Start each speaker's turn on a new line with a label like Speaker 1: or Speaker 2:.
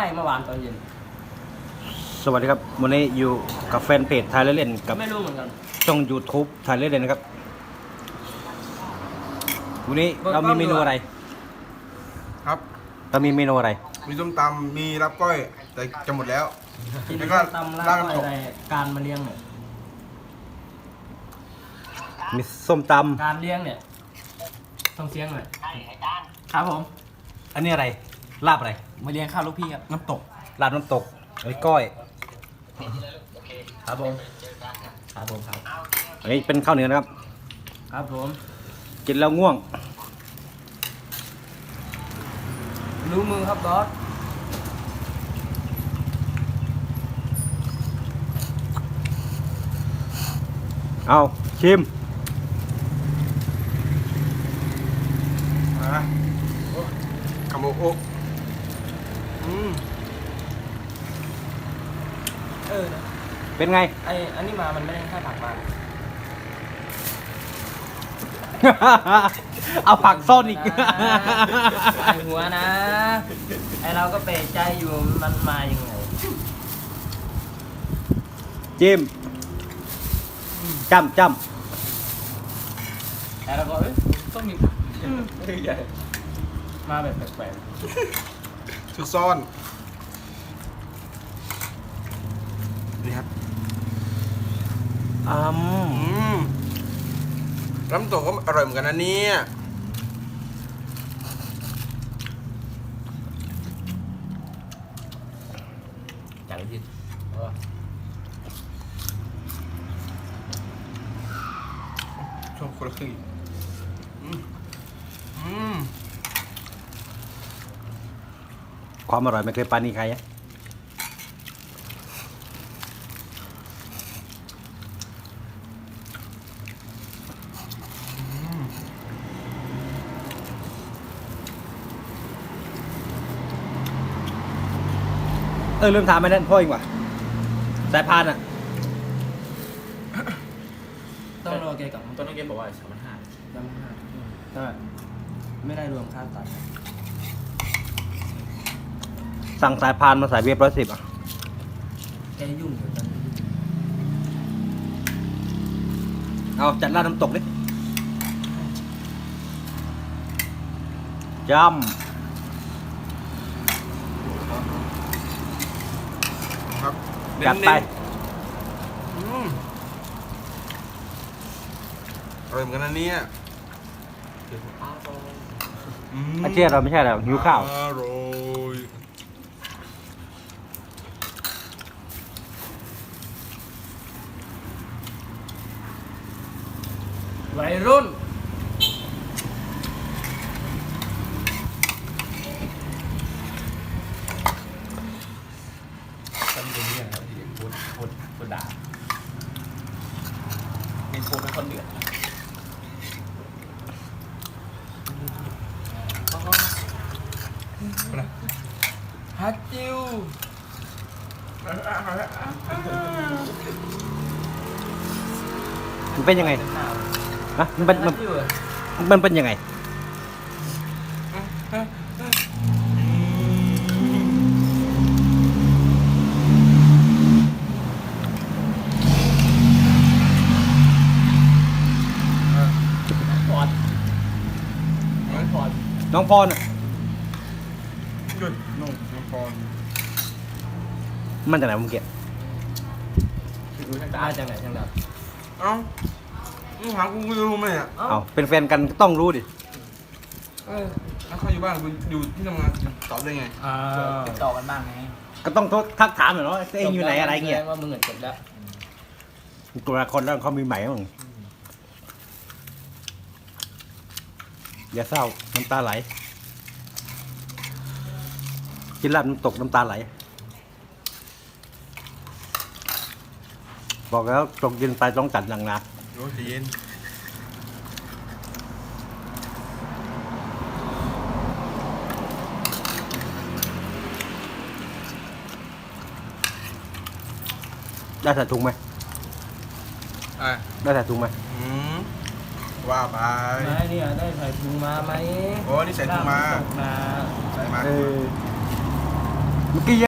Speaker 1: เมื่อวานตอนเย็น
Speaker 2: สวัสดีครับวันนี้อยู่กับแฟนเพจไทยเล่นกับ
Speaker 1: ไม่รู้เหมือนกัน
Speaker 2: ช่อง YouTube ไทยเล่นนะครับวันนี้เรามีเมนูอะไร
Speaker 3: ครับ
Speaker 2: เรามีเมนูอะไร
Speaker 3: มีส้มตำมีรับก้อยแต่จะหมดแล้ว
Speaker 1: แล้วก็ตำลาบอะไรการมาเลี้ยงเนี่ย
Speaker 2: มีส้มต
Speaker 1: การเลี้ยงเนี่ยต้องเสียงหน่อยครับผม
Speaker 2: ำอันนี้อะไรลาบอะไร
Speaker 1: มาเลี้ยงข้าวลูกพี่ครับน้ำตก
Speaker 2: ลาบน้ำตกไอ้ก้อย
Speaker 1: ครับผมครับผมครับ
Speaker 2: อันนี้เป็นข้าวเหนียวนะครับ
Speaker 1: ครับผม
Speaker 2: กินแล้วง่วง
Speaker 1: รู้มือครับบอส
Speaker 2: เอาชิม
Speaker 3: คำโอ๊ก
Speaker 2: เป็นไง
Speaker 1: อันนี้มามันไม่ได้แค่ผักมา
Speaker 2: เอาผักซ่อนอีก
Speaker 1: ใส่หัวนะไอเราก็เปรใจอยู่มันมายังไง
Speaker 2: จิ้มจ้ำ
Speaker 1: แต่เราก็ต้องมีใหญ่มาแบบแปลก
Speaker 3: ๆซุกซ่อนนี่ครับน้ำตกก็อร่อยเหมือนกันนะเนี่ย
Speaker 1: จังที่
Speaker 3: ชอบคนละครึ่ง
Speaker 2: ความอร่อยไม่เคยปานีใครอะลืมถามไปนั่นพ่อเองว่ะสายพานอ่ะ
Speaker 1: ต้องรอแกกับต้นน้องเกมบอกว่า3,500ใช่ไม่ได้รวมค่าตัด
Speaker 2: สั่งสายพานมาใส่เบียร์110อ่ะ
Speaker 1: แกยุ่งอยู่ตอนนี้
Speaker 2: เอาจัดร้านน้ำตกดิจ
Speaker 3: ครับ
Speaker 2: จัดไป
Speaker 3: อร่อยเหมือนกันนะเนี่ย
Speaker 2: อาเจียเราไม่ใช่แล้วหิวข้าว
Speaker 3: อร่อย
Speaker 1: วัยรุ่นเป็นเรื่องครับที่พูดด่าเป็นพูดเป็นคนเดือดฮัตจิว
Speaker 2: มันเป็นยังไงฮะมันเป็นยังไงน้องพรมันจากไหนมึงเก็บ
Speaker 1: มาจากไหนช่างดับ
Speaker 3: เอ้ามึงหากูรู้ไหมอ่ะ
Speaker 2: เอาเป็นแฟนกันต้องรู้ดิ
Speaker 3: แล้วเขาอยู่บ้านกูอยู่ที่ทำงานตอบได้ไง
Speaker 1: ติดต่อกันบ้างไง
Speaker 2: ก็ต้องทักถามหน่อยเนาะเองอยู่ไหนอะไรเงี้ย
Speaker 1: ว่ามึงเงินจบแล้ว
Speaker 2: ตัวคนแล้วเขามีใหม่มั้งอย่าเศร้าน้ำตาไหลกินลาบน้ำตกน้ำตาไหลบอกแล้วตกเย็นไปต้องจัดหนักนะ
Speaker 3: โอ้ยเย็น
Speaker 2: ได้ใส่ถุงไหมได้ใส่ถุงไหม
Speaker 3: ว่าไป
Speaker 1: ไม่เนี่ยได้ใส่ถุงมาไหม
Speaker 3: โอ้นี่ใส่ถุงมาใส่มา
Speaker 2: เมื่อกี้